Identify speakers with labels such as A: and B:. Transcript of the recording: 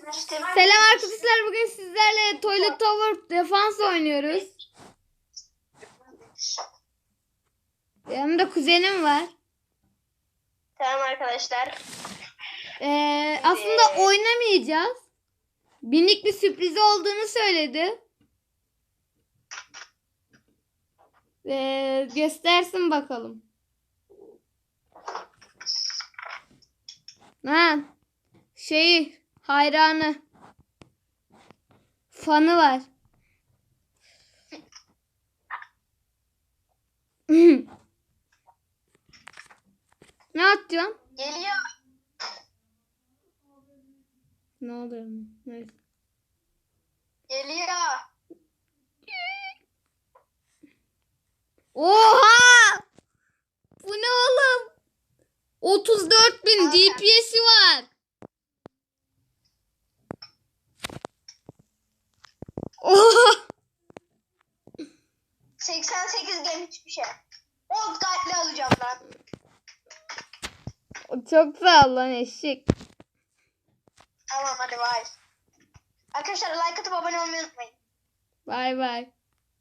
A: Selam arkadaşlar, bugün sizlerle Toilet Tower Defense oynuyoruz. Yanımda kuzenim var.
B: Tamam arkadaşlar.
A: Aslında oynamayacağız. Minik bir sürpriz olduğunu söyledi. Göstersin bakalım. Ha, hayranı. Fanı var. Ne atıyorsun?
B: Geliyor.
A: Ne oluyor? Neyse.
B: Geliyor.
A: Oha! Bu ne oğlum? 34.000 DPS'i var. Oha!
B: 88 game hiçbir şey. 10 kalpli alacağım lan.
A: Çok sağ ol lan eşek.
B: Tamam hadi bay. Arkadaşlar like atıp abone olmayı unutmayın.
A: Bay bay.